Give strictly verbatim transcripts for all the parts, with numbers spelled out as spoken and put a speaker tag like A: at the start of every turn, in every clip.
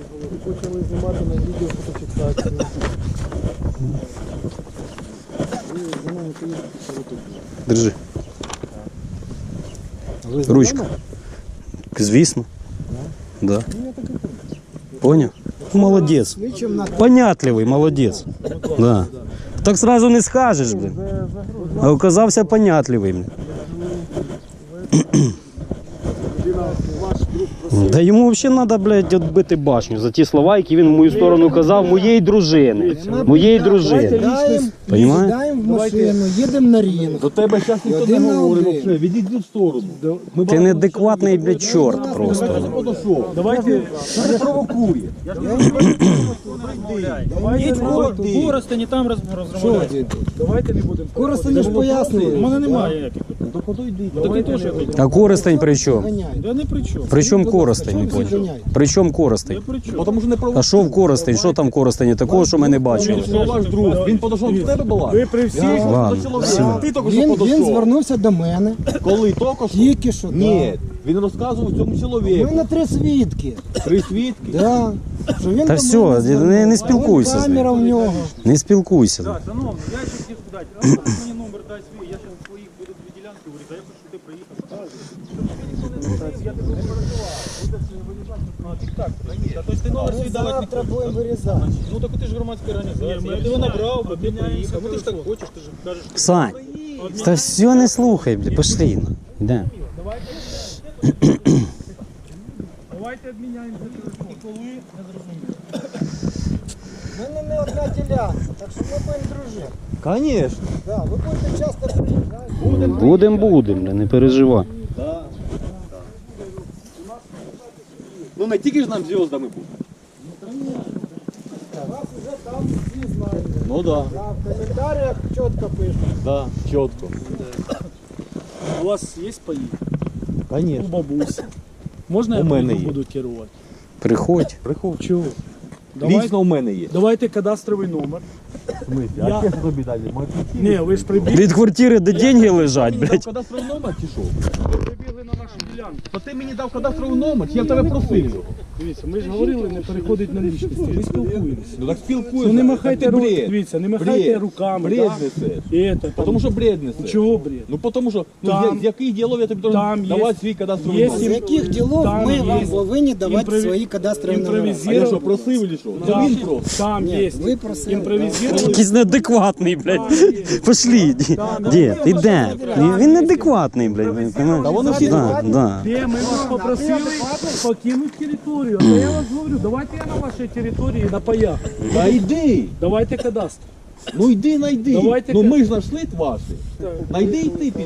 A: Почали знімати на відео фотофіксацію.
B: Держи. Ручка. Звісно. Да. Понял? Молодець. Понятливий, молодець. Да. Так сразу не скажеш, блин. А оказався понятливий, блин. Да йому взагалі треба, блядь, відбити башню за ті слова, які він в мою сторону казав, моєї дружини. Моєї дружини.
C: Сідаємо в машину, їдемо на ринок.
D: До тебе зараз ніхто не говорить взагалі, відійди в сторону.
B: Ти неадекватний, блядь, чорт просто.
D: Давайте, не провокує.
A: Коростені там розмовляють.
C: Давайте не будемо. Коростені ж пояснює.
A: У мене немає ніяких. Такий теж я тут.
B: А Коростень при чому?
A: Я не при чому.
B: При чому Коростень, не понял? При чому Коростень?
D: Тому що не провокує.
B: А що в Коростень? Що там в Коростені такого, що ми не бачили?
D: Що ваш друг? Він подошов до тебе була?
A: Ви при всіх.
B: Ладно, все.
D: Ти тільки що
C: Він, він
D: подошов.
C: звернувся до мене.
D: Коли? Тільки що?
C: Тільки що,
D: Ні. Він розказував цьому
C: У
D: чоловіку.
C: мене три свідки.
D: Три свідки.
C: Да. Що він
B: Та
C: до
B: все,
C: мене
B: не,
C: звернувся.
B: не спілкуйся з
C: Камера
B: ним.
C: в нього.
B: Не спілкуйся.
A: Так, шановний, я ще хотів сказати, а можеш мені номер дай свій, я зараз своїх буду дві ділянки говорити, а я хочу, щоб ти приїхав. Щоб тобі ніхто не знає, я тебе не переживав. Будеш вирізати, ну, тік-так, тобто ти номер свій давати не
C: Завтра
A: хочеш.
C: будемо вирізати.
A: Ну так ти ж громадська організація, я тебе набрав, бо ти приїхав, ну ти ж так хочеш, ти ж кажеш.
B: Сань, та все не слухай, бля, пошли. Ну. Йдемо.
A: Давайте обміняємося телефон. І коли, не зрозуміло.
C: У мене не одна ділянка, так що ми будемо дружити.
D: Звісно.
C: Да, ви будете часто приїжджати.
B: Будем, будем, бля, не переживай.
D: Ну не тільки ж нам зв'яздами бути.
C: Вас вже там всі знають.
D: Ну да.
C: Да, в коментарях чітко пишуть.
D: Да, чітко.
A: У вас є паї? У
D: Звісно.
A: бабусі. Можна я
D: У мене
A: паї
D: є.
A: буду керувати?
B: Приходь.
D: Приходь.
A: Чого? Давай,
D: Лічно у мене є.
A: давайте кадастровий номер.
D: А
A: Я-
D: я тобі далі.
A: Ні, ви ж прибігли.
B: Від квартири, де деньги лежать, блядь.
D: Кадастровий номер чи що?
A: Ви прибігли на нашу ділянку.
D: То ти мені дав кадастровий номер, чи я в тебе просив?
A: Дивіться, ми ж говорили, не переходить на лічності. Ми спілкуємося.
D: Ну так спілкуємося.
A: Ну не махайте
D: Це
A: руками,
D: бред.
A: дивіться, не махайте
D: Бред.
A: руками.
D: Бред
A: да?
D: несеш.
A: І это, там,
D: Тому що бред несеш.
A: Чого бред?
D: Ну тому що, ну,
A: Там-
D: з, з яких ділов я тобі
A: там
D: должен
A: є-
D: давати свій кадастровий
A: є
C: З
D: номер?
C: яких ділов
A: Там
C: ми
A: є
C: вам повинні давати
A: імпрові-
C: свої кадастрові номери?
D: А я що, просив чи що? Це
A: Там,
D: він просив.
A: там
C: Ні,
A: є
C: ви просили.
A: імпровізований.
B: Якийсь неадекватний, блядь. Пошли, дід, іде. Він неадекватний, блядь.
D: Та вони всі
B: Да, да.
A: Де ми вас попросили покинути територію. А я вас говорю, давайте я на вашій території на паях.
D: Та йди.
A: Давайте кадастр.
D: Ну йди, найди.
A: Давайте
D: Ну
A: ка-
D: ми ж знайшли ваші. Найди і ти піди.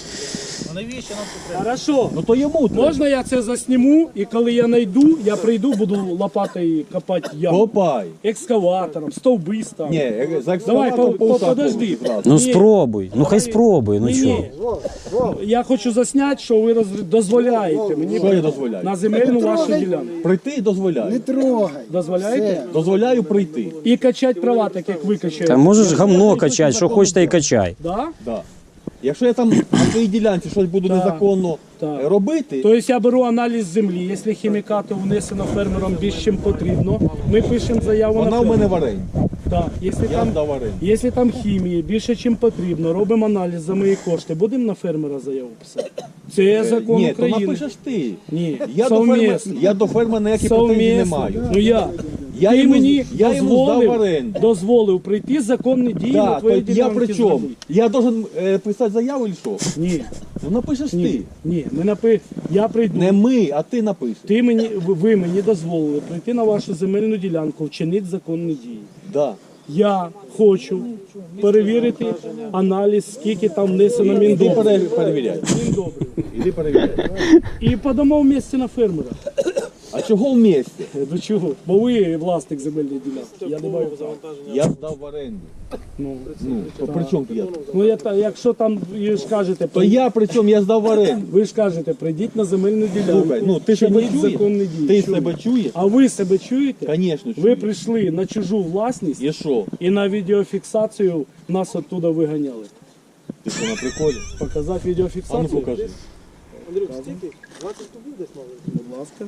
A: Хорошо.
D: Ну то йому треба.
A: Можна я це засніму, і коли я знайду, я прийду, буду лопатою копати яму.
D: Копай.
A: Екскаватором, стовби ставити.
D: Ні, за
A: Давай, по,
D: екскаватором
A: по,
D: полтора
A: подожди.
D: зразу.
B: Ну
A: Ні.
B: спробуй, ну хай спробуй, ну
A: Ні,
B: чого.
A: ні. Я хочу засняти, що ви роз... дозволяєте мені
D: Що я дозволяю?
A: на земельну вашу ділянку.
D: Прийти
C: Не
D: дозволяю.
C: трогай.
A: Дозволяєте?
D: Дозволяю прийти.
A: І качати права, так як ви качаєте.
B: Та можеш гамно качати, що хочеш, та й качай.
A: Да?
D: Да. Якщо я там на твоїй ділянці щось буду
A: Так,
D: незаконно
A: так.
D: е, робити,
A: Тобто я беру аналіз землі, якщо хімікату внесено фермером більше, чим потрібно, ми пишемо заяву
D: вона
A: на
D: в мене
A: фермера.
D: в оренді.
A: Так, якщо
D: Я
A: там,
D: здав оренду.
A: якщо там хімії більше, ніж потрібно, робимо аналіз за мої кошти, будемо на фермера заяву писати? Це закон
D: Ні, то
A: України.
D: напишеш ти.
A: Ні,
D: Я до, фермера,
A: совмісно.
D: я до фермера ніяких претензій не
A: Совмісно.
D: маю.
A: Ну я.
D: Я
A: Ти
D: йому-
A: мені
D: я йому здав
A: дозволив,
D: оренду.
A: дозволив прийти законні дії на
D: Да, то
A: твоїй
D: я
A: ділянці
D: при чому?
A: землі.
D: Я должен е, писати заяву чи що?
A: Ні,
D: Ну напишеш
A: ні,
D: ти.
A: ні, ми напи... я прийду.
D: Не ми, а ти напишеш.
A: Ти мені, ви- ви мені дозволили прийти на вашу земельну ділянку, вчинити законні дії.
D: Да.
A: Я хочу перевірити аналіз, скільки там внесено
D: Іди
A: міндобрив.
D: пере- перевіряй.
A: Міндобрив.
D: Іди перевіряй.
A: І подамо в місці на фермера.
D: А чого в місті?
A: До чого? Бо ви власник земельної ділянки. Я не маю права.
D: Я здав в оренду.
A: Ну,
D: Ну, то при чому я?
A: ну я, та- якщо там ви ж кажете,
D: То я при чому я здав в оренду?
A: ви ж кажете, прийдіть на земельну ділянку.
D: Слухай, ну ти себе
A: вчиніть
D: чуєш?
A: законні дії.
D: Ти
A: Чую.
D: себе чуєш?
A: А ви себе чуєте?
D: Звісно,
A: Ви
D: чую.
A: прийшли на чужу власність
D: І що?
A: і на відеофіксацію нас оттуда виганяли.
D: Ти що на приколі?
A: Показати
D: А ну
A: відеофіксацію?
D: покажи.
A: Будь ласка.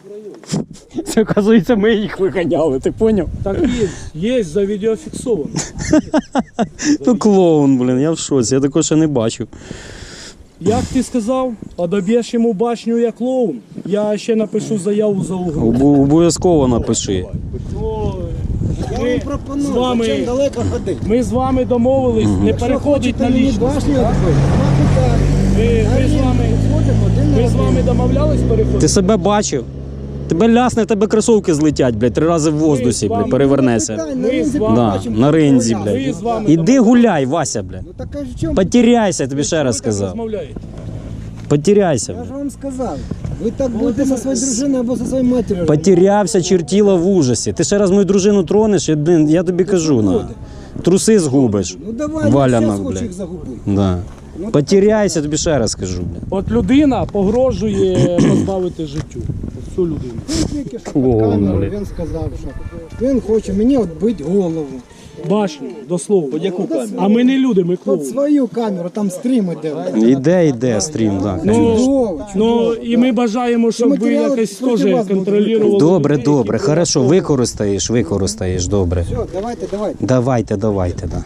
B: Це, оказується, ми їх виганяли, ти поняв?
A: Так є, є, завідеофіксовано.
B: То клоун, блін, я в шоці, я такого ще не бачив.
A: Як ти сказав, одоб'єш йому башню як клоун, я ще напишу заяву за угрозу.
B: Обу- Обов'язково напиши.
A: Ну,
C: Я вам
A: ми,
C: пропоную,
A: з вами-
C: зачем далеко ходити.
A: ми з вами домовились, не
C: Якщо
A: переходить
C: хочете
A: на
C: мені
A: лічність.
C: башню відбити, нема питань.
A: Ми,
C: На
A: ми, з
C: рівні
A: вами,
C: підходимо один на
A: ми з
C: один.
A: вами домовлялись переходити?
B: Ти себе бачив? Тебе лясне, в тебе кросовки злетять, блядь, три рази в воздусі, блядь, перевернеся.
C: Питань,
A: Ми
C: на ринзі
A: з вами-
B: Да,
C: побачимо,
B: на ринзі,
C: розмовляємо.
A: Ми
B: блядь.
A: з вами
B: Іди
A: домовлялись.
B: гуляй, Вася, блядь.
C: Ну так а в чому?
B: Потеряйся, я тобі ще
A: Ви
B: раз
A: так
B: сказав.
A: розмовляєте.
B: Потеряйся,
C: Я ж
B: блядь.
C: вам сказав. Ви так будете зі своєю дружиною або зі своєю матір'ю.
B: Потерявся, чертіла в ужасі. Ти ще раз мою дружину тронеш, я, блін, я тобі кажу, на. Труси згубиш.
C: Ну давай, я
B: Валянок,
C: зараз хочу
B: блядь.
C: їх загубити.
B: Да.
C: Ну,
B: Потеряйся, тобі ще раз кажу, блядь.
A: От людина погрожує позбавити життю. От цю людину.
C: Він тільки що
B: Клоун,
C: під камеру,
B: блядь.
C: він сказав, що він хоче мені відбити голову.
A: Башню, дословно.
D: Яку камеру?
A: А ми не люди, ми
C: Під
A: клоуни.
C: свою камеру, там стрім іде.
B: Іде, іде стрім, так.
A: Ну,
C: Чудово,
A: Ну
C: чудово.
A: і ми бажаємо, щоб ви
C: матеріали
A: якось
C: проти
A: теж
C: вас будуть
A: контролювали.
B: Добре,
A: людей,
B: добре,
A: які
B: хорошо, використаєш, використаєш, добре.
C: Все, давайте, давайте.
B: Давайте, давайте, да.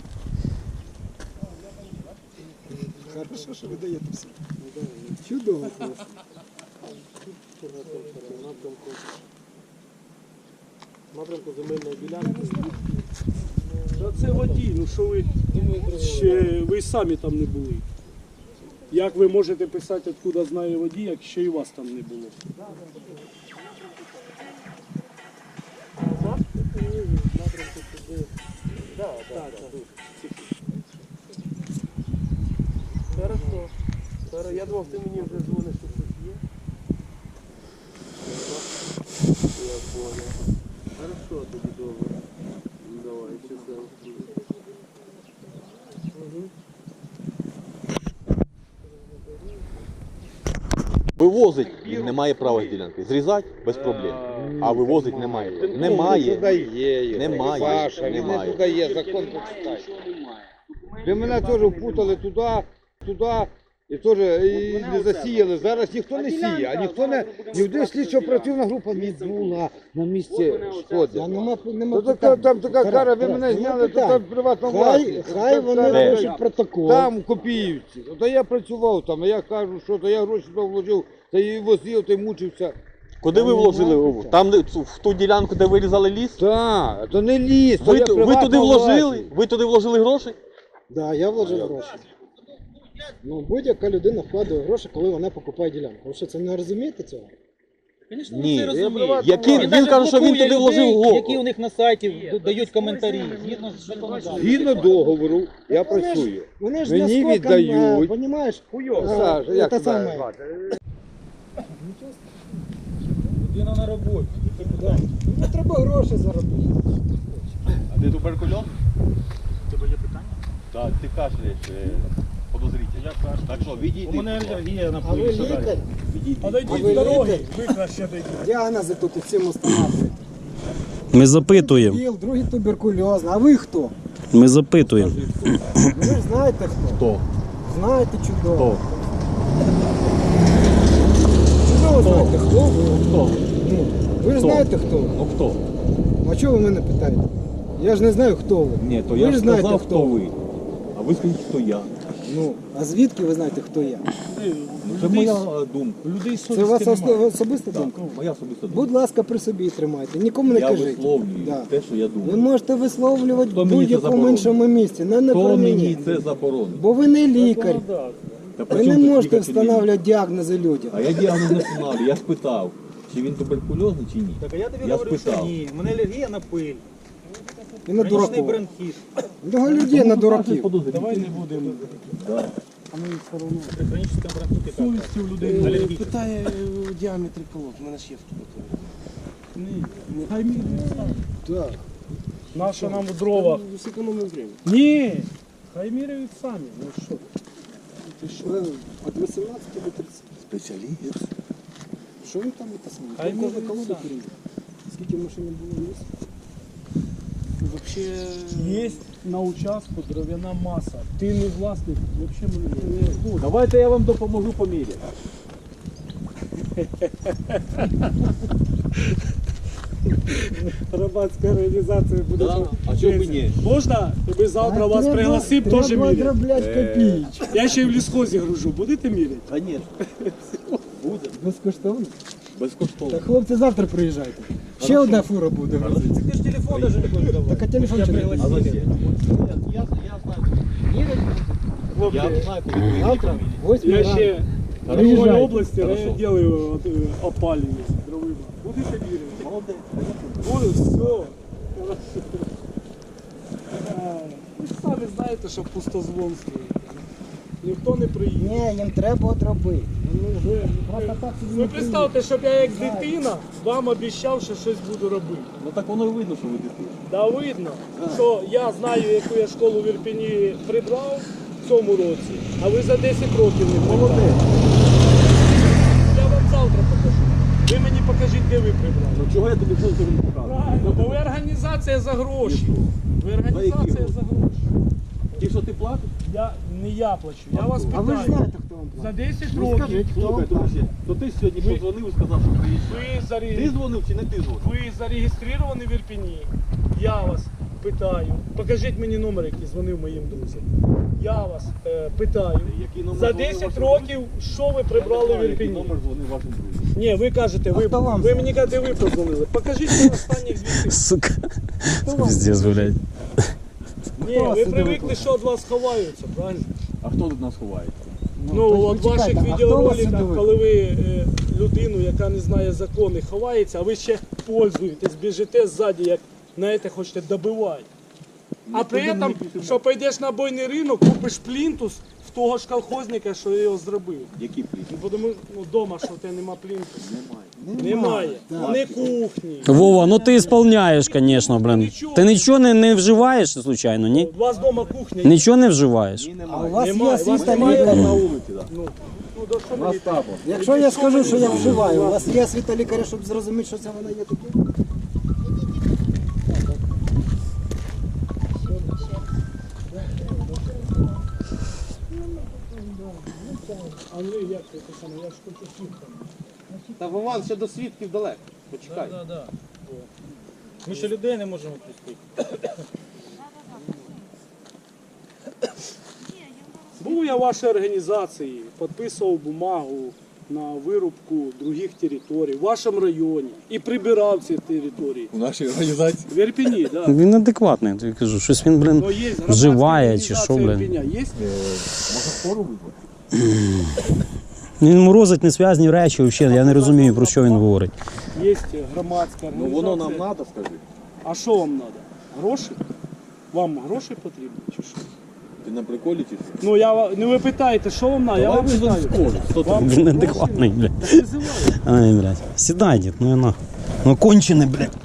C: Хорошо, що ви даєте все. Чудово просто.
A: напрямку земельної ділянки. Та це водій, ну що ви ще ви самі там не були. Як ви можете писати, откуда знає водій, як ще і вас там не було? Хорошо. Хорошо. Я думав, ти мені вже дзвониш, що щось є. Я понял. Хорошо, тоді добре. Давай, часом.
D: Вивозить він не має права з ділянки. Зрізати без проблем. А вивозить немає. Немає. Немає.
E: Паша, він не
D: Немає.
E: туди є, закон почитай. Ви мене теж впутали туди, туди, і теж і не засіяли. Зараз ніхто не сіє, а ніхто не, ні один слідчо-оперативна група не була на місці
C: Та
E: сходу.
C: нема, нема
E: Ну, так,
C: питань.
E: там така
C: Тарас,
E: кара, ви
C: Тарас,
E: мене
C: нема
E: зняли, то
C: питань.
E: там приватна
C: Хай,
E: власність.
C: хай вони
E: Де?
C: пишуть протокол.
E: Там, у Копіївці. То я працював там, а я кажу, що то я гроші туди вложив, та і возив, та й мучився.
D: Куди ви вложили? Там, де- в ту ділянку, де вирізали ліс?
E: Так, то не ліс, то
D: Ви,
E: я
D: ту- ви
E: приватна
D: туди вложили?
E: власність.
D: Ви туди вложили гроші?
C: Да, я вложив гроші. Ну, будь-яка людина вкладає гроші, коли вона покупає ділянку. Ви що, це не розумієте цього?
D: Ні.
E: приватна
D: Які,
E: власність.
D: він каже, що він туди вложив гроші.
F: які у них на сайті дають коментарі, згідно з законодавством.
E: Згідно договору, я працюю.
C: Вони ж
E: Мені
C: наскоком,
E: віддають.
C: Понімаєш?
E: Саша, як
C: це
E: тебе
C: саме.
E: звати?
A: Людина на роботі.
C: Да. Ну, треба гроші заробити.
D: А ти туберкульоз?
A: Тебе є питання?
D: Так, ти кашляєш подозріть. Я кашляю. Так що, відійди.
A: У мене алергія на
C: А ви
A: повітря.
C: лікар?
A: Подойдіть
C: А ви
A: з дороги,
C: лікар?
A: ви краще дойдіть.
C: Діагнози тут і всім установлюють.
B: Ми запитуємо,
C: Біл, другий туберкульозний. А ви хто?
B: ми запитуємо.
C: Ви ж знаєте хто?
D: Хто?
C: Знаєте чудово.
D: Хто?
C: Чудово знаєте хто ви.
D: Хто?
C: Ну, ви ж знаєте хто ви.
D: Ну хто?
C: А чого ви мене питаєте? Я ж не знаю хто ви.
D: Ні, то
C: ви
D: я
C: ж
D: ж
C: знаєте
D: сказав,
C: хто
D: хто ви. А ви скажіть, хто я.
C: Ну, а звідки ви знаєте хто я?
D: Це моя е, думка.
A: Людей
C: Це у вас
A: совісті немає.
C: осо- особиста думка?
D: Моя особиста думка.
C: Будь ласка, при собі тримайте. Нікому не
D: Я
C: кажіть.
D: висловлюю
C: Да.
D: те, що я
C: Ви
D: думаю.
C: можете висловлювати
D: Хто
C: в
D: мені це
C: будь-якому
D: заборонив?
C: іншому місці, не, не
D: Хто
C: про
D: мені
C: мені.
D: це заборонив?
C: Бо ви не лікар.
D: Та при
C: Ви
D: чому
C: не
D: тут
C: можете
D: лікар чи не лікар?
C: встановлювати діагнози людям.
D: А я діагноз не встановлюю. Я спитав, чи він туберкульозний, чи ні.
F: Так а я тобі
D: Я
F: говорю, що
D: спитав.
F: ні. У мене алергія на пиль,
C: І на
F: хронічний
C: дураків.
F: бронхіт.
C: Його людей на дураків.
A: Давай не будемо.
D: Да.
F: При хронічному бронхіті так.
A: Совісті у людей алергія.
G: Питає у діаметрі колод, у мене ж є в тут.
A: Ні. Хай міряють самі.
C: Так.
A: Наша нам в дровах.
G: Зекономив время.
A: Ні. Хай міряють самі. Ну що? Ти що?
C: Ви Від вісімнадцяти до тридцяти.
G: Спеціаліст.
C: Що він там це саме?
A: Хай
C: Кожна
A: міряють
C: колода
A: самі.
C: перейде. Скільки машин було місць?
A: Вообще є на участку дров'яна маса. Ти не власник, взагалі ми не.
D: Давайте я вам допоможу поміряти.
A: Громадська організація буде.
D: Да? А чого б ні?
A: Можна? Ми завтра вас пригласимо теж
C: Треба
A: міряти.
C: дроблять копійки.
A: Я ще й в лісхозі гружу. Будете міряти?
D: Конечно. Буде.
C: Безкоштовно.
D: Безкоштовно.
C: Так, хлопці, завтра приїжджайте. Ще одна фура буде грузитися.
F: Ти ж телефон навіть не будеш давати.
C: Так, а телефон чи не?
D: А зачем? Я, я знаю.
A: Хлопці,
D: Я знаю, коли приїдете.
C: Завтра, восьмій
A: я
C: ранку.
A: ще в
C: Приїжджайте.
A: другій області
D: Хорошо.
A: я делаю от, е, опалення дровима. Будете міряти?
D: Молодець.
A: Буде, все. Ви самі знаєте, що пустозвонство. Ніхто не приїде.
C: Ні, їм треба от робити.
A: Ну, ви,
C: Просто так собі
A: ви
C: не
A: представте, щоб я як дитина вам обіцяв, що щось буду робити.
D: Ну так воно і видно, що ви дитина.
A: Да видно, що я знаю, яку я школу в Ірпені прибрав в цьому році, а ви за десять років не прибрали. Я вам завтра покажу. Ви мені покажіть, де ви прибрали.
D: Ну чого я тобі буду тобі показувати?
A: Правильно, бо ви організація за гроші. Ви організація за гроші.
D: Ті, що ти платиш?
A: Я, не я плачу, я вас
C: А ви ж
A: питаю.
C: знаєте, хто вам
A: За
C: платить.
A: десять
C: Ну,
A: років
C: скажіть, хто вам
D: Слухай,
C: платить.
D: друзі, то ти сьогодні
A: Ви-
D: подзвонив і сказав, що приїжджаєш.
A: ви,
D: Ти
A: зареєстровані,
D: дзвонив чи не ти дзвонив?
A: ви зареєстровані в Ірпені. Я вас питаю. Покажіть мені номер, який дзвонив моїм друзям. Я вас е, питаю.
D: Який номер
A: За
D: дзвонив
A: десять
D: вашим
A: років, що ви прибрали в
D: Який
A: Ірпені?
D: номер дзвонив вашим друзям?
A: Ні, ви кажете, ви,
C: А хто вам
A: ви
C: сказав?
A: мені кажете, ви подзвонили. Покажіть мені останніх звідси.
B: Сука. Пиздец, блядь.
A: Ні,
C: вас
A: ви
C: сюди
A: привикли,
C: викликав?
A: що від вас ховаються, правильно?
D: А хто тут нас ховається?
A: Ну,
C: то
A: от
C: почекайте,
A: ваших
C: а хто вас сюди
A: відеороликах,
C: викликав?
A: коли ви е, людину, яка не знає закони, ховається, а ви ще пользуєтесь, біжите ззаді, як, знаєте, хочете добивати. А при цьому, що пойдеш на бойний ринок, купиш плінтус в того ж колхозника, що його зробив.
D: Які пліти?
A: Ну, бо тому, ну, вдома, що в тебе нема плінтусу. Немає. Немає. Не кухні.
B: Вова, ну ти ісполняєш, звісно, блин. Ти нічого не, не вживаєш, случайно, ні?
A: У вас вдома кухня є?
B: Нічого не вживаєш?
C: А у вас
A: Немає,
C: є
A: у вас
C: світа
A: немає
C: лікаря?
D: На вулиці, так.
A: Ну, ну, до що мені
D: табор.
C: Якщо я скажу, що я вживаю, у вас є світа лікаря, щоб зрозуміти, що це воно є таке?
A: Андрій, як ти саме? Я ж хочу слухати.
F: Та Вован ще до свідків далеко. Почекай.
A: Да, да.
F: Ми ще людей не можемо пустити.
A: Був я в вашій організації, підписував бумагу на вирубку других територій в вашому районі і прибирав ці території.
D: У нашій організації.
A: В Ірпені, так. Да.
B: Він адекватний, я тобі кажу, щось він, блин,
A: Но є громадська
B: вживає чи що,
A: організація
B: блин.
A: Ірпеня. Є?
D: Може скоро визвати?
B: Він морозить несвязні речі, взагалі, я не розумію, про що він говорить.
A: Є громадська
D: Ну
A: організація.
D: воно нам треба, скажи.
A: А що вам треба? Гроші? Вам гроші потрібні чи що?
D: Ти на приколі чи що?
A: Ну, я, ва- ну ви питаєте, що вам треба? Я
D: Давай
A: вам
D: визвемо
A: питаю.
D: скору. Хто ти?
A: Вам
B: Він
A: гроші?
B: адекватний, блядь.
A: Так визиваю.
B: Ай, блядь. Сідай, дід, ну і на. Ну кончений, блядь.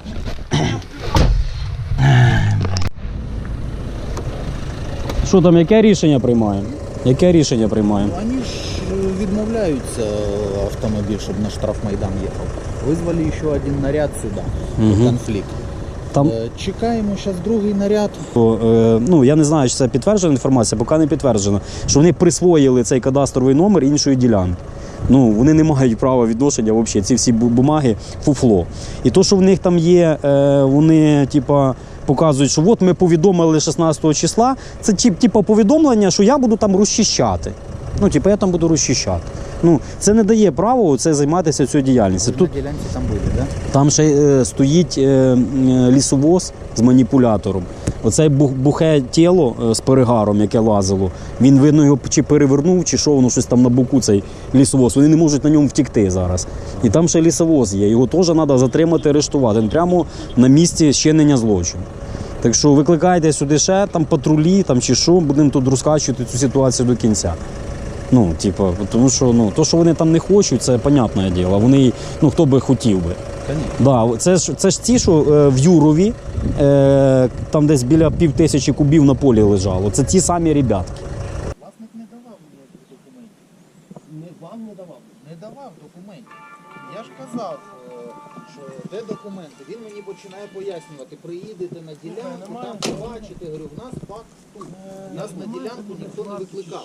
B: Що там, яке рішення приймаємо? Яке рішення приймаємо?
H: Они ж э, відмовляються э, автомобіль, щоб на штрафмайдан їхав. Визвали ще один наряд сюди.
B: Мгм.
H: Конфлікт.
B: Там,
H: Е, Чекаємо зараз другий наряд.
B: е, ну, я не знаю, чи це підтверджена інформація, поки не підтверджено, що вони присвоїли цей кадастровий номер іншої ділянки. Ну, вони не мають права відношення взагалі, ці всі бу- бумаги фуфло. І то, що в них там є, е, вони, типа, показують, що от ми повідомили шістнадцятого числа, це тип, типа повідомлення, що я буду там розчищати. Ну, типу, я там буду розчищати. Ну, це не дає права це займатися цією діяльністю. Тут
H: На ділянці там були, так? Да?
B: там ще е, стоїть е, е, лісовоз з маніпулятором. Оце бух- бухе тіло е, з перегаром, яке лазило. Він, видно, його чи перевернув, чи що, воно щось там на боку, цей лісовоз. Вони не можуть на ньому втікти зараз. І там ще лісовоз є. Його теж треба затримати, арештувати. Він прямо на місці щинення злочину. Так що викликайте сюди ще там патрулі там, чи що, будемо тут розкачувати цю ситуацію до кінця. Ну, типу, тому що ну, то, що вони там не хочуть, це понятне діло. Вони, ну, хто би хотів би. Да, це ж це ж ті, що е, в Юрові, е, там десь біля пів тисячі кубів на полі лежало. Це ті самі ребятки.
H: Власник не давав ніяких документів.
G: Не вам не давав.
H: Не давав документів. Я ж казав, е, що де документи. Він мені починає пояснювати, приїдете на ділянку, там побачите, говорю, в нас факт тут. Нас на ділянку ніхто не викликав.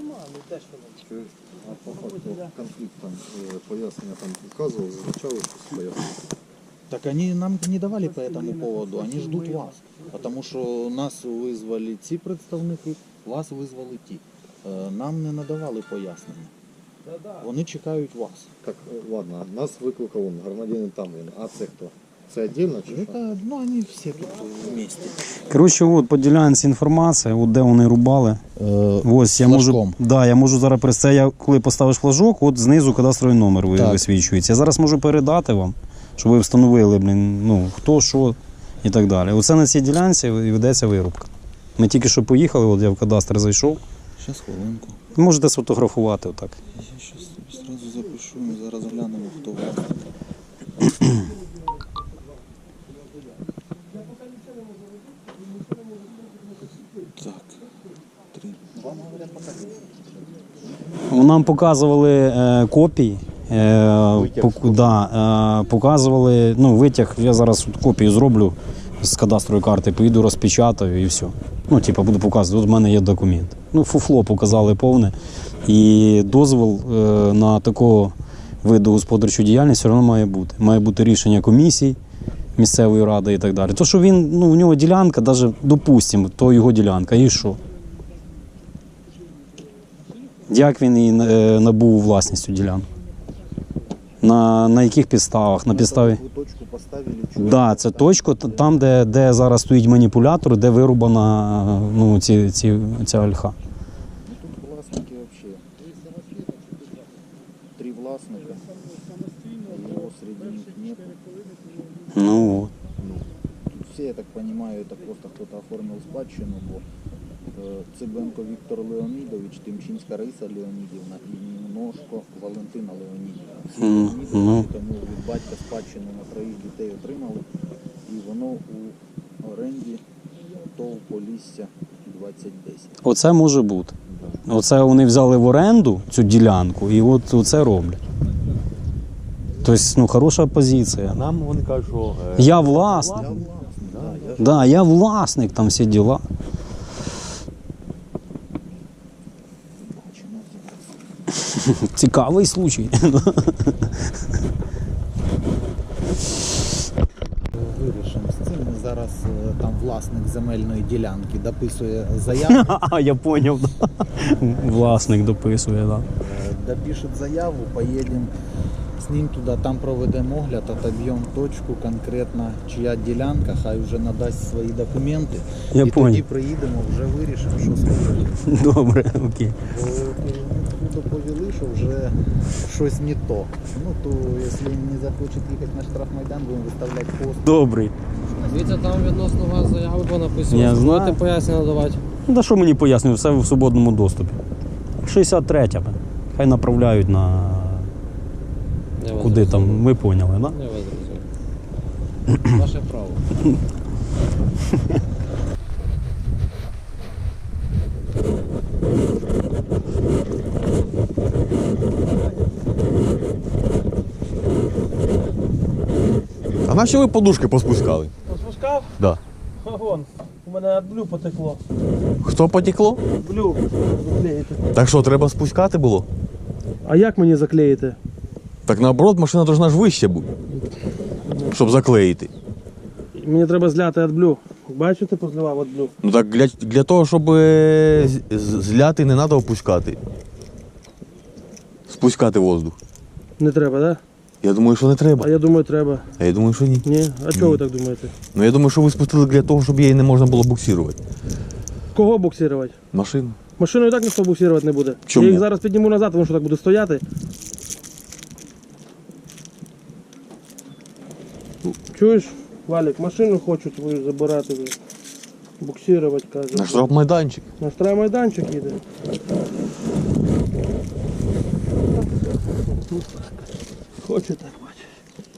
I: А по факту конфликт там, э, пояснення там указывал, зазначало щось пояснення.
H: Так они нам не давали по этому поводу, они ждут вас. Потому что нас визвали ці представники, вас визвали ті. Е, Нам не надавали пояснення. Вони чекають вас.
I: Так, э, ладно, нас викликав он, громадянин там він, а це хто? Це віддільно чи що?
H: Это, ну, они все тут вместе.
B: Коротше, от по ділянці інформація, от де вони рубали. Ось я можу,
H: флажком.
B: да, я можу зараз перес- це я коли поставиш флажок, от знизу кадастровий номер ви-
H: Так.
B: висвічується. Я зараз можу передати вам, щоб ви встановили, блін, ну, хто, що і так далі. Оце на цій ділянці і ведеться вирубка. Ми тільки що поїхали, от я в кадастр зайшов.
H: Сейчас хвилинку.
B: Можете сфотографувати отак.
H: Я сейчас сразу запишу, ми зараз глянемо, хто вас. Так, три.
B: Нам показували е, копії. Е, пок- да, е, показували, ну, витяг, я зараз от копію зроблю з кадастрової карти, поїду розпечатаю і все. Ну, типу, буду показувати, от в мене є документ. Ну, фуфло показали повне. І дозвіл е, на такого виду господарчої діяльності все одно має бути. Має бути рішення комісії місцевої ради і так далі. То, що він, ну, у нього ділянка, навіть, допустимо, то його ділянка, і що? Як він її е, набув у власність цю ділянку? На, на яких підставах? На підставі?
H: Ви точку поставили,
B: Так, да, це точка т- там, де, де зараз стоїть маніпулятор, де вирубана, ну, ці, ці, ця ольха.
H: Тут власники вообще. Три власника. Его среди них нет.
B: Ну, от.
H: Тут все, я так понимаю, это просто кто-то оформил спадщину, бо е, Цибенко Віктор Леонідович, Тимчинська Раїса Леонідівна і Німножко Валентина Леонідівна. Всі
B: Мгм,
H: Леонідовичі,
B: ну.
H: тому від батька спадщину на троїх дітей отримали. І воно у оренді ТОВ Полісся двадцять десять.
B: Оце може бути. Оце вони взяли в оренду цю ділянку і от оце роблять. Тобто, ну, хороша позиція.
D: Нам вони кажуть, що е,
B: Я власник. Да, я власник, там всі діла. Цікавий случай.
H: Вирішимо з цим. Ми зараз е, там власник земельної ділянки дописує заяву.
B: А, я зрозумів. Власник дописує, так. Да.
H: Е, Допишет заяву, поїдемо з ним туди, там проведемо огляд, отоб'ємо точку конкретно, чия ділянка, хай вже надасть свої документи.
B: Я
H: і
B: понял.
H: тоді приїдемо, вже вирішимо, що скажемо.
B: Добре, окей.
H: Бо доповіли, що вже щось не то. Ну то, якщо не захочуть їхати на штрафмайдан, будемо виставляти пост.
B: Добрий.
J: Дивіться, там відносно вас заяви понаписано.
B: Я знаю.
J: Будете пояснення надавати?
B: Ну, та що мені пояснюють, все в свободному доступі. шістдесят третя. Хай направляють на
J: Я вас
B: куди там,
J: зрозумів.
B: ви поняли, так? Да?
J: Я вас зрозумів. Ваше право.
D: а наші ви подушки поспускали?
A: Поспускав?
D: Да.
A: Вон, у мене блю потекло.
D: Хто потекло?
A: Блю заклеїти.
D: Так що, треба спускати було?
A: А як мені заклеїти?
D: Так наоборот, машина повинна ж вище бути, щоб заклеїти.
A: Мені треба зляти від блю. Бачите, позливав від блю.
D: Ну так для, для того, щоб е, з- з- зляти, не треба опускати. Спускати воздух.
A: Не треба, так?
D: Я думаю, що не
A: А
D: треба.
A: я думаю, треба.
D: А я думаю, що ні.
A: Ні? А чого ви так думаєте?
D: Ну я думаю, що ви спустили для того, щоб її не можна було буксирувати.
A: Кого буксирувати?
D: Машину.
A: Машину і так ніхто буксирувати не буде.
D: Чому?
A: Я їх зараз підніму назад, тому що так буде стояти. Чуєш, Валік, машину хочуть твою забирати вже. Буксирувати, каже.
D: На штрафмайданчик.
A: На штрафмайданчик їде. Хоче так бачиш.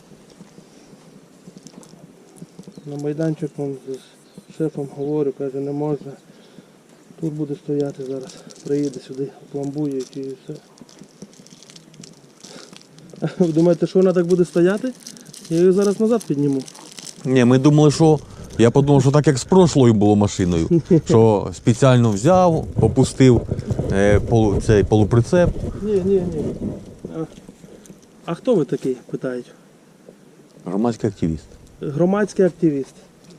A: На майданчик он з шефом говорю, каже, не можна. Тут буде стояти зараз. Приїде сюди, пломбує і все. Ви думаєте, що вона так буде стояти?
G: Я її зараз назад підніму.
D: Ні, ми думали, що. Я подумав, що так як з прошлою було машиною, що спеціально взяв, опустив е, полу, цей полуприцеп.
G: Ні, ні, ні. А, а хто ви такий, питають?
D: Громадський активіст.
G: Громадський активіст.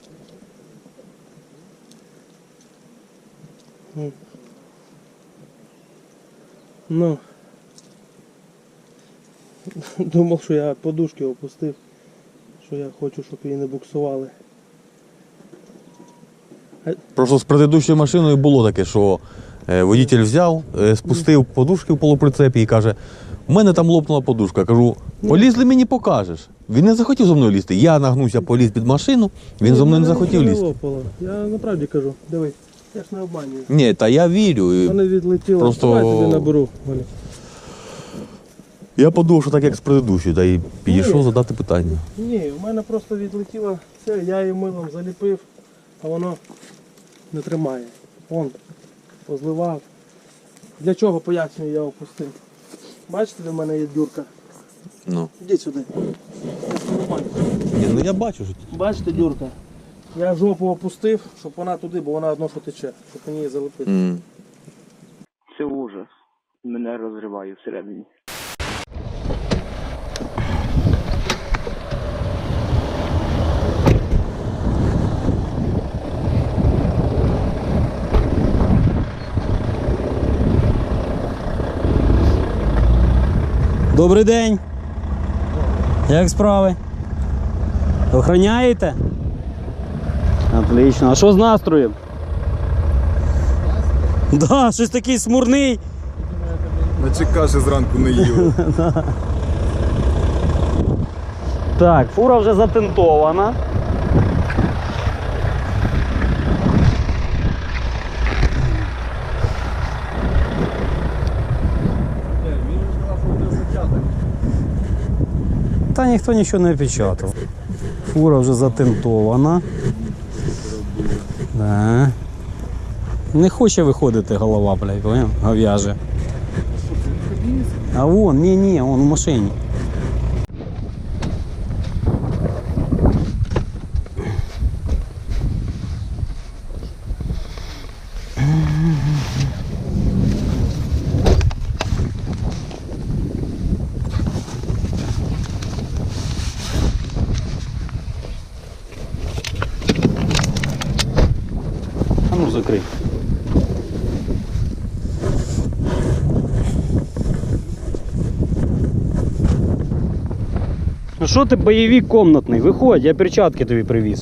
G: М. Ну. Думав, що я подушки опустив, що я хочу, щоб її не буксували.
D: Просто з предыдущою машиною було таке, що е, водитель взяв, е, спустив подушки в полуприцепі і каже, у мене там лопнула подушка. Кажу, полізли мені покажеш. Він не захотів зо мною лізти. Я нагнувся, поліз під машину, він зо мною не захотів
G: Мене
D: лізти.
G: лопало. Я направді кажу, дивись, я ж не обманюю.
D: Ні, та я вірю. і
G: Мене відлетіло.
D: Просто-
G: Давай я тобі наберу, Валя.
D: Я подумав, що так як з предыдущою, та й підійшов
G: Ні.
D: задати питання.
G: Ні, у мене просто відлетіло це, я її милом заліпив, а воно не тримає. Вон, позливав. Для чого, пояснюю, я опустив. Бачите, де в мене є дюрка?
D: Ну.
G: Ідіть сюди.
D: Ні, ну я бачу, що
G: Бачите, дюрка? Я жопу опустив, щоб вона туди, бо вона одно що тече, щоб мені її залепити.
D: М.
K: Це ужас. Мене розриває всередині.
B: Добрий день. Як справи? Охороняєте? Отлично. А що з настроєм? Да, щось такий смурний.
L: Наче каші зранку не їли.
B: Так, фура вже затентована. Та ніхто нічого не печатав. Фура вже затентована. Да. Не хоче виходити голова, блядь, поняв? Говяже. А вон, ні-ні, он в машині. А ну закрий. Ну що ти бойовик комнатний? Виходь, я перчатки тобі привіз.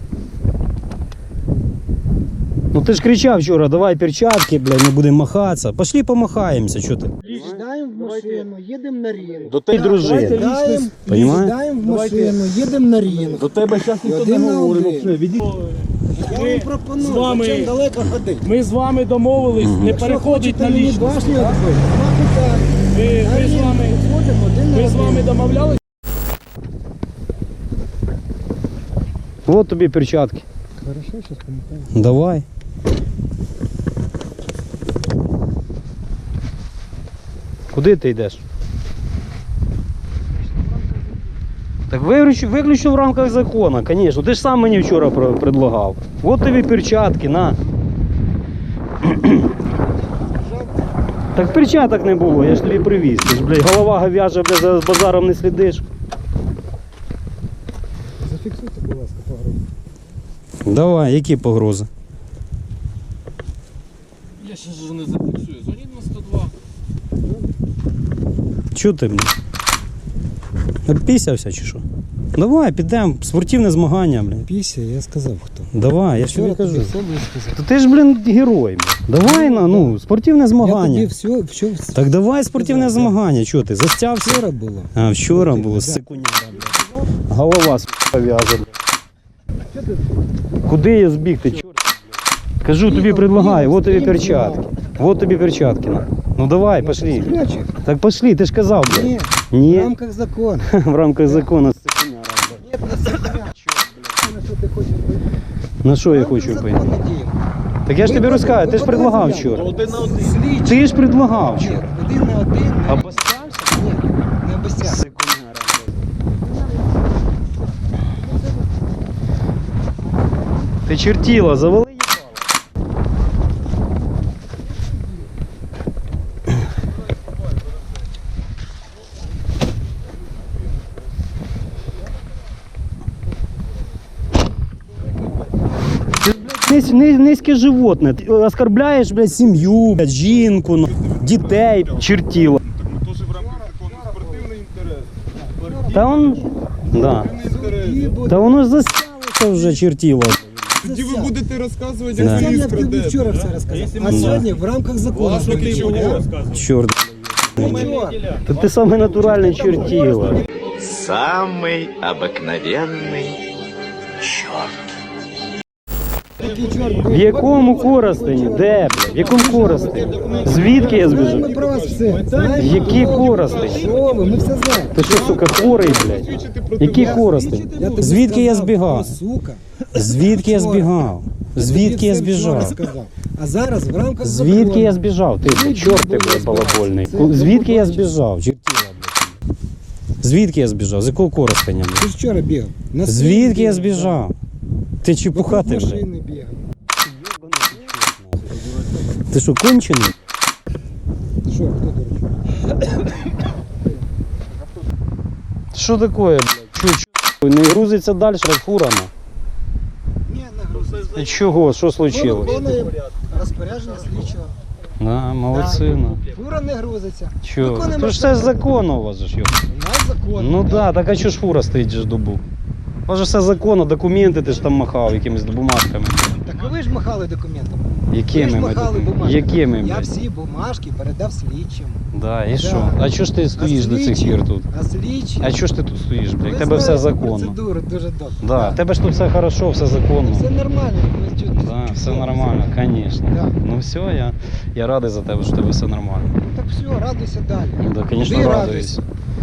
B: Ну ти ж кричав вчора, давай перчатки, блядь, не будемо махатися. Пошли помахаємося, що ти?
C: Сідаємо в машину, їдемо на ринок.
D: До
B: Ти
D: тебе,
B: дружина.
C: Сідаємо,
B: Понимаєш?
C: сідаємо в машину, їдемо на ринок.
D: до тебе зараз ніхто не
C: Один на
D: говорить.
C: один.
D: взагалі. Відійди.
C: Я вам пропоную,
A: з вами-
C: зачем далеко ходити?
A: Ми з вами домовились не
C: Якщо
A: переходити
C: хочете
A: на
C: мені
A: лічність.
C: башню відбити, нема питань.
A: Ми,
C: На
A: ми з
C: ринок
A: вами,
C: підходимо один на
A: ми з
C: один.
A: вами домовлялись.
B: Вот тобі перчатки.
C: Хорошо, зараз пам'ятаю.
B: Давай. Куди ти йдеш? Так виключно, виключно в рамках закону, звісно. Ти ж сам мені вчора про- предлагав. От тобі перчатки, на. Так перчаток не було, я ж тобі привіз. Ти ж, блядь, голова говяжа, блядь, за базаром не слідиш.
C: Зафіксуйте, будь ласка, погрозу.
B: Давай, які погрози?
J: Я ще ж не зафіксую. Дзвоніть на сто два.
B: Чого ти мені? Обпісявся чи що? Давай, підемо, спортивне змагання, блядь.
C: Після, я сказав хто.
B: Давай, я ж тобі
C: Вчора
B: кажу.
C: тобі все було сказав.
B: То ти ж, блін, герой, блядь. Давай на, ну, спортивне
C: Я тобі
B: змагання.
C: все, все,
B: Так давай спортивне
C: Сказав,
B: змагання, чого ти? Застявся?
C: вчора було.
B: А, вчора
C: Спортивне,
B: було,
C: да.
B: секуняра, блядь. Голова с***а в'яже, блядь. Куди я збігти, чорт? Кажу, тобі предлагаю, вот тобі перчатки. Вот тобі перчатки. на. Ну давай, пошли.
C: Спрячь їх.
B: Так пошли, ти ж казав, блядь.
C: Ні, в
B: Ні,
C: рамках закону.
B: в рамках закону, секуняра, блядь.
C: Ні, на себе. На що ти хочеш бути?
B: На що я
C: В рамках
B: хочу пойти?
C: закону діємо.
B: Так я ж тобі
C: Ви
B: розказую, ти ж
C: подали
B: предлагав
C: заяву.
B: вчора.
D: Один на один.
C: Слідчий.
B: Ти ж предлагав
C: Ні,
B: вчора.
C: один на один.
B: Обостявся?
C: Ні, не обіцяв.
B: Секуняра, блядь. Ти чертіла, завали їбало. Низ, низ, низьке животне. Ти оскорбляєш, блядь, сім'ю, блядь, жінку, ну, дітей, чертіла.
L: Ми теж в рамках закону спортивний інтерес.
B: Та он, да. Та воно ж засялося вже чертіло.
L: Тоді ви будете розказувати,
B: Да.
L: як
C: Це
L: ви
C: я
L: їх
C: тобі
L: крадете.
C: вчора все розказав. А
B: Да.
C: сьогодні в рамках закону.
L: Власне, ти чого?
B: Чорт.
C: Нічого.
B: Та ти самий натуральний чертіла.
M: Самый обыкновенный черт.
C: Такий чорт
B: В якому Коростені? Де, блядь? В якому Коростені? Звідки я
C: Ми
B: збіжу?
C: про вас все.
B: Які Коростені?
C: Що ви? Ми все знаємо.
B: Ти що, сука, хворий, блядь? Які Коростені?
C: Я тобі
B: Звідки я
C: сказав,
B: збігав?
C: о, сука.
B: Звідки я збігав? Звідки я
C: тобі все вчора
B: збіжав?
C: сказав. А зараз в рамках
B: Звідки
C: закону.
B: я збіжав? Ти, блядь, чорт ти, блядь, балабольний. Звідки я збіжав? Чертіла, блядь. Звідки я збіжав? З якого Коростеня, блядь?
C: Ти ж вчора бігав. На
B: Звідки
C: своїй
B: я
C: бігав,
B: збіжав? Ти чепухати,
C: вокруг
B: блядь?
C: машини бігав.
B: Ти що, кончений?
C: Що, хто дурачок?
B: Що таке, блядь? Чо, чо? Не грузиться далі, блядь, фурами?
C: Ні, не грузиться.
B: Чого? Що случилось?
C: Виконує розпорядження слідчого.
B: Да, молодці, ну.
C: Фура не грузиться.
B: Чого?
C: Виконуємо
B: То ж це ж законно у вас же ж, йо.
C: У нас закон.
B: Ну да, так а чого ж фура стоїть же ж добу? У вас же все законно, документи ти ж там махав якимись бумажками.
C: Так ви ж махали документами. Ви ж
B: Якими ми?
C: махали
B: документи?
C: бумажками.
B: Якими,
C: Я
B: блядь?
C: всі бумажки передав слідчим.
B: Да, і
C: Да.
B: що? А чого ж ти стоїш до цих
C: слідчі-
B: пір тут?
C: А слідчі?
B: А чого ж ти тут стоїш, блядь?
C: Ви
B: У тебе все
C: знаєте
B: законно.
C: Процедуру дуже добре.
B: Да, в тебе ж тут все хорошо, все законно.
C: Все нормально. ви чудо-
B: Да, все
C: чудово.
B: нормально, звісно.
C: Да.
B: Ну все, я, я радий за тебе, що в тебе все нормально.
C: Так все, радуйся далі.
B: Ну да, звісно,
C: Ти
B: радуюсь.
C: радуйся.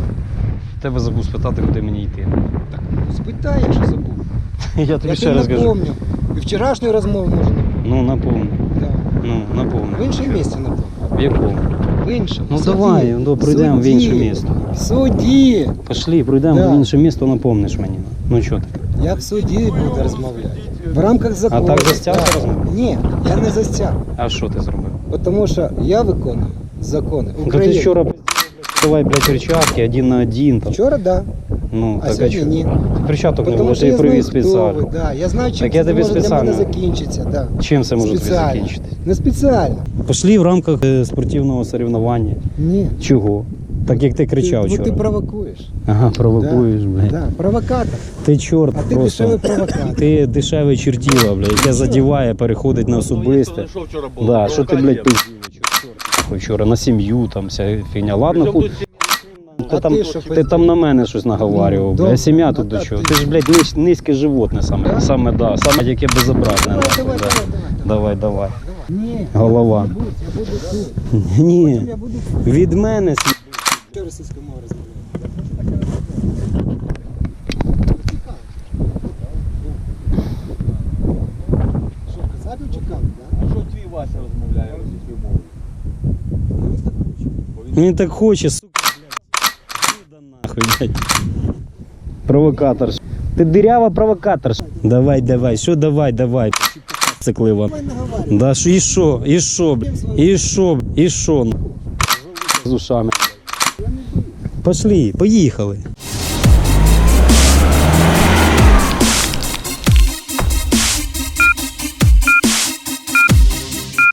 B: Тебе забув спитати, куди мені йти.
C: Так, спитай, якщо забув.
B: Я
C: Я
B: тобі ще
C: тобі
B: раз кажу.
C: напомню. І вчорашню розмову можу напомнити.
B: Ну, напомню.
C: Да.
B: Ну, напомню.
C: В іншому місці напомню.
B: В якому?
C: В іншому.
B: Ну
C: В суді.
B: давай, ну, пройдемо в
C: суді.
B: інше місто.
C: В суді.
B: Пошли, пройдемо
C: Да.
B: в інше місто, напомниш мені. Ну що ти?
C: Я в суді буду розмовляти. В рамках закону.
B: так застяг
C: Так.
B: розмовляти?
C: Ні, я не застяг.
B: А що ти зробив?
C: Тому що я виконую закони
B: Ну, ти
C: України.
B: вчора блядь, давай, блядь, перчатки один на один. Там.
C: Вчора, да.
B: Ну,
C: А
B: так а
C: сьогодні
B: чого?
C: ні.
B: Ти перчаток не
C: Тому
B: було,
C: що
B: ти
C: я знаю,
B: привіз
C: хто
B: спеціально.
C: ви. Да. Я знаю, чим
B: Так я
C: це
B: тобі
C: може для
B: спеціально.
C: мене закінчиться. Да.
B: Чим це може тобі
C: Спеціально.
B: закінчитись?
C: Не спеціально.
B: Пошли в рамках е, спортивного соревнування.
C: Ні.
B: Чого? Так як ти кричав
C: Ти, бо
B: вчора.
C: ти провокуєш.
B: Ага, провокуєш, блядь.
C: Да. Провокатор.
B: Ти чорт
C: А ти
B: просто.
C: дешевий провокатор.
B: Ти дешеве чертіло, блядь, яке задіває, переходить на особисте. Да, що ти, блядь, пиздів вчора на сім'ю, там вся фігня. Ладно, ху... Ти
C: А
B: там,
C: ти що
B: ти
C: пиздів?
B: там на мене щось наговарював,
C: Ну,
B: бля.
C: добре.
B: Сім'я
C: А
B: тут до
C: так
B: чого?
C: ти-
B: Ти ж, блядь, низ, низьке животне саме.
C: Да?
B: Саме, да, саме яке безобразне.
C: Давай,
B: нахуй,
C: давай,
B: да.
C: давай, давай,
B: Давай, давай.
C: Ні.
B: Голова.
C: Я буду, я буду тут.
B: Ні,
C: Я буду
B: від мене сі-
C: тут російською мовою розмовляти. Що, казати чекав, так?
E: А що твій Вася розмовляє російською мовою?
B: Він так хоче, сука, блядь. Іди нахуй, блядь. Провокатор. Ти дирява провокатор. Давай, давай, що давай, давай. Циклива. Да, що, і що, і що, блядь, і що, і що. З ушами. Пошли, поїхали.